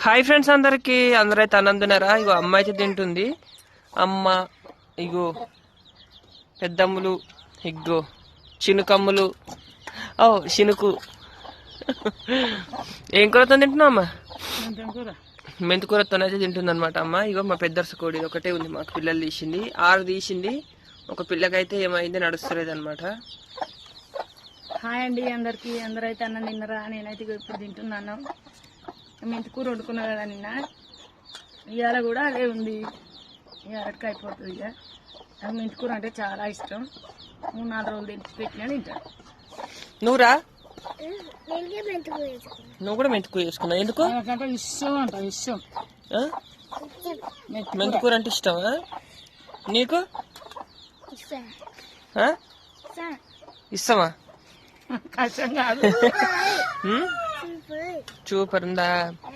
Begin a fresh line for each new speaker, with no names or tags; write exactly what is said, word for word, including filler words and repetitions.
Hi friends, అందరికి అందరైతే అన్నందున్నారా? ఇగో అమ్మ అయితే తింటుంది. అమ్మ ఇగో పెద్దమ్ములు, ఇగో చినుకమ్ములు, ఓ చినుకు. ఏం కూరతో తింటున్నావు అమ్మ? మెంతికూరతో అయితే తింటుంది అనమాట అమ్మ. ఇగో మా పెద్దర్స కోడి ఒకటే ఉంది, మాకు పిల్లలు తీసింది, ఆరు తీసింది. ఒక పిల్లకైతే ఏమైంది నడుస్తలేదు అనమాట.
హాయ్ అండి అందరికి, అందరైతే అన్నం తిన్నరా? నేనైతే ఇప్పుడు తింటున్నాను. మెంతికూర వండుకున్నా కదా నిన్న, ఇవాళ కూడా అదే ఉంది. ఇవాళకి అయిపోతుంది. ఇక నాకు మెంతికూర అంటే చాలా ఇష్టం. మూడు నాలుగు రోజులు తెచ్చి పెట్టినా తింటాను.
నువ్వురా నువ్వు కూడా మెంతికూర చేసుకున్నావు? ఎందుకు?
నాకంటే ఇష్టం అంట, ఇష్టం.
మెంతికూర అంటే ఇష్టమా నీకు? ఇష్టమా?
కష్టం కాదు.
సూపర్ ఉందా?